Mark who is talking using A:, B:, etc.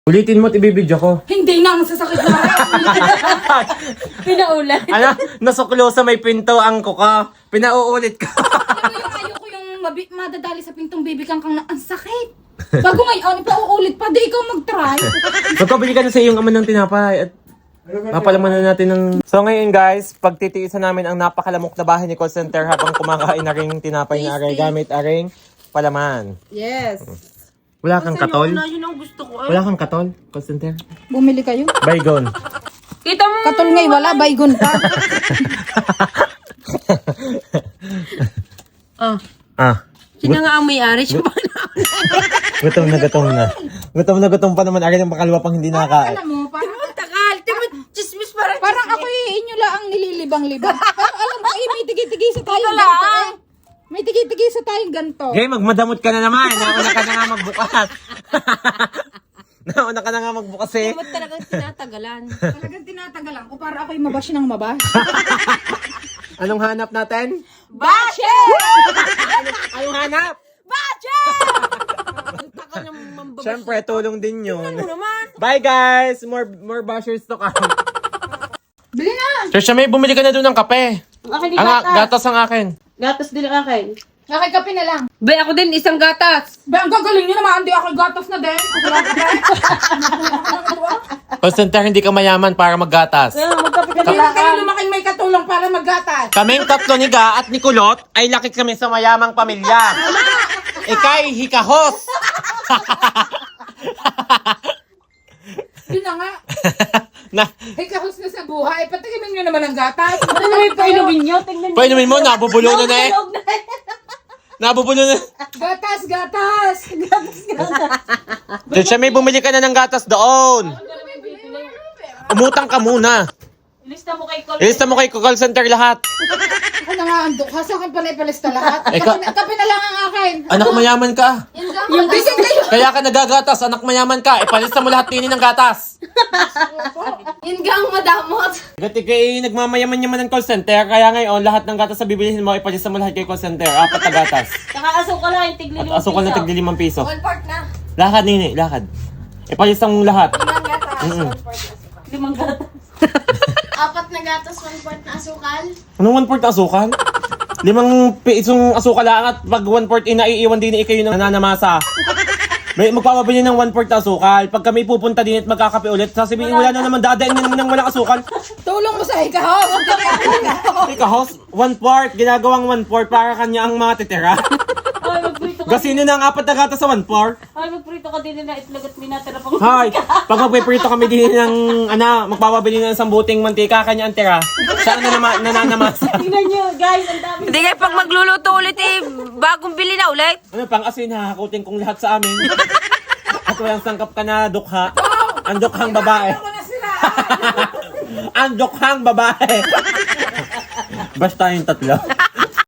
A: Ulitin mo at ibibidyo ko.
B: Hindi na, masasakit na.
C: Pinaulan.
A: Ano? Nasuklo sa may pinto ang kuka. Pinauulit ka.
B: Ayoko yung madadali sa pintong baby kang na ang sakit. Bago ngayon, ipauulit pa, di ikaw mag-try.
A: Magpabili ka na sa iyong ama ng tinapay at mapalaman na natin ng... So ngayon guys, pagtitiisan namin ang napakalamok na bahay ni call center habang kumakain na ring tinapay na aray gamit aring palaman.
C: Yes.
A: Wala kang katol?
C: Yun ang gusto ko.
A: Wala kang katol, call center?
B: Bumili kayo.
A: Baygon.
C: Kita mo.
B: Katol ngay wala, baygon pa.
C: Sino nga ang may-ari? Siya ba
A: Gutom na gutom na. Gutom na gutom pa naman. Akin ang pakalwa pang hindi nakakain.
B: Alam mo, parang
C: takal? Timo, chismis parang
B: ako inyo lang ang nililibang-libang. Pero alam mo, may tigi-tigi sa tayong ganito eh. May tigi-tigi sa tayong ganito.
A: Okay, magmadamot ka na naman. Nauna ka na nga magbukas. Nauna ka na nga magbukas eh.
C: Ba't talagang tinatagalan?
B: Talagang tinatagalan ko para ako'y mabash ng mabash.
A: Anong hanap natin?
C: Bashe!
A: Anong hanap?
C: Bashe! Takal ng mambabash.
A: Siyempre, tulong din yun.
C: Ano naman?
A: Bye guys! More bashers to come.
B: Bili na!
A: Sir, may bumili ka na doon ng kape.
C: Ang akin
A: Ang gatas ang akin.
C: Gatas din ang akin.
B: Nakikapi na lang.
C: Bay, ako din isang gatas.
B: Ba, ang gagaling nyo naman, hindi ako gatos na din.
A: Call center, hindi ka mayaman para maggatas.
C: Kaya magkape ka
B: Hindi
C: na
B: na kayo lumaking may katulong para maggatas.
A: Kaming tatlo ni Ga at ni Kulot ay laki kami sa mayamang pamilya. Ikay hikahos.
B: Yun na nga.
A: Na,
B: Hikahos na sa buhay. Patikimin nyo naman ang gatas.
C: Ano naman yung painumin nyo? Tingnan
A: painumin mo, nabubulo na eh. Nabubulo na.
B: Gatas, gatas.
A: Sir, may bumili ka na ng gatas doon. Umutang ka muna.
C: Ilista mo kay Col.
A: Ilista mo kay call center lahat.
B: Ako na nga ang dukha. Sa akin pa na ipalista lahat.
A: Ikaw-
B: Kape na lang ang akin.
A: Anak mayaman ka.
B: Yung bisig kayo.
A: Kaya ka nagagatas, anak mayaman ka. Ipalista mo lahat tinin ng gatas.
B: Ingang madamot.
A: Gati kay nagmamayaman-yaman ng call center, kaya ngayon lahat ng gatas na bibilihin mo, ipalista mo lahat kay call center. 4 na gatas.
C: Saka asukal lang yung tigli
A: At asukal na tigli 5 piso.
B: 1 part na.
A: Lakad nini, lakad. Ipalista mo lahat.
B: Ilang gatas?
A: Mm-mm.
C: 5 gatas.
D: 4 na gatas, 1 quart na asukal.
A: Anong 1 quart asukal? 5 pisong asukal lang at pag 1 quart inaiiwan din ikayo ng nananamasa. May magpapabili ng 1 quart asukal. Pag kami pupunta din at magkakape ulit, sasabihin wala na naman dadain na naman ng walang asukal.
B: Tulong mo sa hikahos.
A: Ika host, 1 quart, ginagawang 1 quart para kanya ang mga titira.
C: Ay, magprito ka.
A: Gasinin na ang 4 na gatas sa 1 quart.
C: Ay, magprito ka din na itlog at minatira pang...
A: Hay, pag magpiprito kami din ng, magpapabili ng isang buting mantika, kanya ang tira. Saan na naman, nananamasa?
C: Tingnan nyo, guys, ang dami.
E: Hindi kayo pag magluluto ulit eh, bagong bili na ulit.
A: Ano, pang asin, hahakutin kong lahat sa amin. At walang sangkap ka na dukha. Ang dukhang babae. Ang dukhang babae. Basta yung tatlo.